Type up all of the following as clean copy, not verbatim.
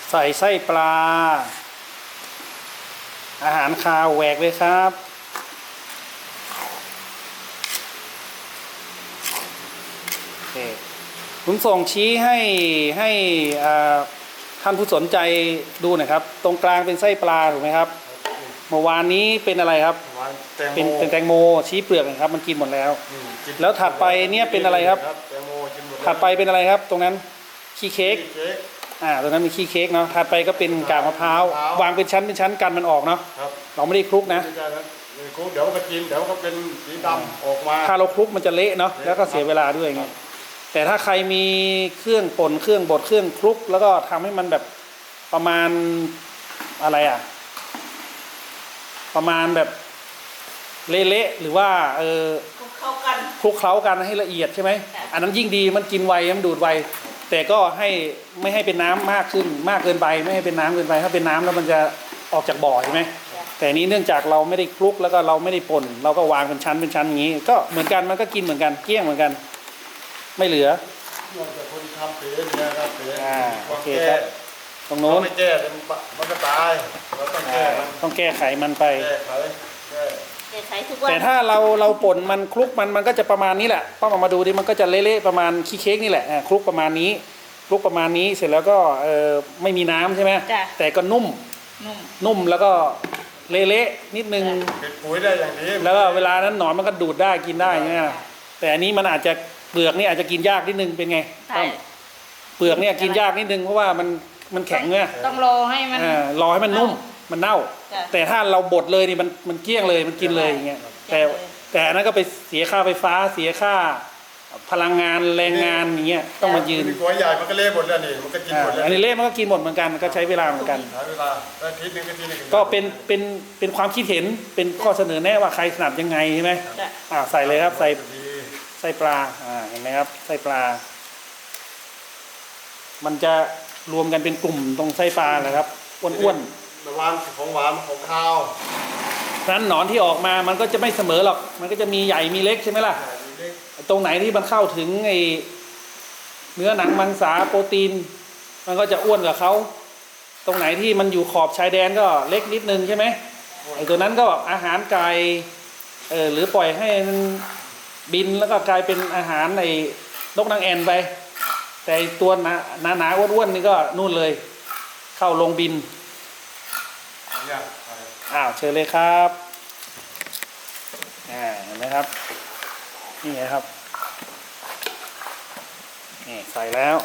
ใส่ไส้ปลาอาหารคาวแหวกเลยครับโอเคผมส่งชี้ให้ท่านผู้สนใจดูหน่อยครับตรงกลางเป็นไส้ปลาถูกไหมครับเมื่อวานนี้เป็นอะไรครับเป็นแตงโมชี้เปลือกนะครับมันกินหมดแล้วแล้วถัดไปเนี่ยเป็นอะไรครับถัดไปเป็นอะไรครับตรงนั้นขี้เค้กตรงนั้นมีขี้เค้กเนาะถัดไปก็เป็นกากมะพร้าววางเป็นชั้นกันมันออกเนาะเราไม่ได้คลุกนะคลุกเดี๋ยวก็กินเดี๋ยวก็เป็นสีดำออกมาถ้าเราคลุกมันจะเละเนาะแล้วก็เสียเวลาด้วยไงแต่ถ้าใครมีเครื่องป่นเครื่องบดเครื่องคลุกแล้วก็ทำให้มันแบบประมาณอะไรประมาณแบบเละๆหรือว่าคลุกเข้ากันคลุกเคล้ากันให้ละเอียดใช่ไหมอันนั้นยิ่งดีมันกินไวมันดูดไวแต่ก็ไม่ให้เป็นน้ำมากขึ้นมากเกินไปไม่ให้เป็นน้ำเกินไปถ้าเป็นน้ำแล้วมันจะออกจากบ่อใช่ไหมแต่นี้เนื่องจากเราไม่ได้คลุกแล้วก็เราไม่ได้ป่นเราก็วางเป็นชั้นอย่างนี้ก็เหมือนกันมันก็กินเหมือนกันเกลี้ยงเหมือนกันไม่เหลือแต่คนทำเป๋เนี่ยครับเป๋โอเคครับตรงโน้นไม่แก้มันก็ตายเราต้องแก้ไขมันไปแก้ไขทุกวันแต่ถ้าเราป่นมันคลุกมันก็จะประมาณนี้แหละป้ามาดูดิมันก็จะเละๆประมาณขี้เค้กนี่แหละคลุกประมาณนี้คลุกประมาณนี้เสร็จแล้วก็ไม่มีน้ำใช่ไหมแต่ก็นุ่มแล้วก็เละๆนิดนึงเป็นปุ๋ยได้อย่างนี้แล้วก็เวลานั้นหนอนมันก็ดูดได้กินได้ใช่ไหมแต่อันนี้มันอาจจะเปลือกนี่อาจจะกินยากนิดนึงเป็นไงเปลือกเนี่ยกินยากนิดนึงเพราะว่ามันแข็งเนี่ยต้องรอให้มันรอให้มันนุ่มมันเน่าแต่ถ้าเราบดเลยนี่มันเกลี้ยงเลยมันกินเลยอย่างเงี้ยแต่อันนั้นก็ไปเสียค่าไฟฟ้าเสียค่าพลังงานแรงงานอย่างเงี้ยต้องมายืนหัวใหญ่มันก็เละหมดแล้วนี่มันก็กินหมดแล้วอันนี้เละมันก็กินหมดเหมือนกันก็ใช้เวลาเหมือนกันใช้เวลาทีนึงก็เป็นความคิดเห็นเป็นข้อเสนอแนะว่าใครถนัดยังไงใช่ไหมใส่เลยครับใส่ปลาเห็นไหมครับไส้ปลามันจะรวมกันเป็นกลุ่มตรงไส้ปลาแหละครับอ้วนๆระวังของหวานของข้าวนั้นหนอนที่ออกมามันก็จะไม่เสมอหรอกมันก็จะมีใหญ่มีเล็กใช่ไหมล่ะตรงไหนที่มันเข้าถึงไอ้เนื้อหนังมังสาโปรตีนมันก็จะอ้วนกว่าเขาตรงไหนที่มันอยู่ขอบชายแดนก็เล็กนิดนึงใช่ไหมไอ้ตัวนั้นก็อาหารไก่หรือปล่อยให้มันบินแล้วก็กลายเป็นอาหารในนกนางแอ่นไปแต่ตัวหนาอ้วนๆนี่ก็นู่นเลยเข้าลงบินเชิญเลยครับเห็นไหมครับนี่ครับนี่ใส่แล้ว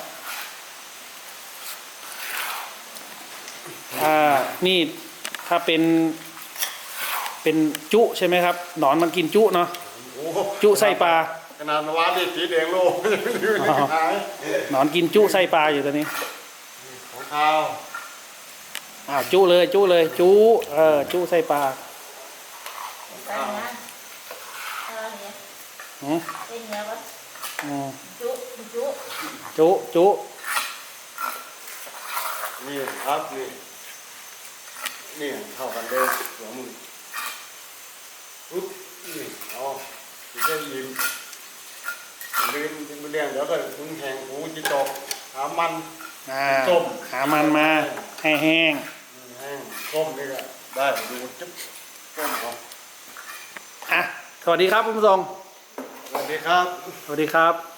นี่ถ้าเป็นจุใช่ไหมครับหนอนมันกินจุเนาะจุไส้ปลาขนาดวาดสีแดงโลกหนอนกินจุไส้ปลาอยู่ตอนนี้ของข้าวจุเลยจุไส้ปลาจุนี่ครับนี่เข้ากันเลยหัวมือปุ๊บนี่จะยิ้มลืมเรื่องเดี๋ยวก็มึงแห้งหูจิตกหามันส้มหามันมาให้แห้งส้มนี่ก็ได้ดูจุ๊บส้มครับสวัสดีครับคุณผู้ชมสวัสดีครับสวัสดีครับ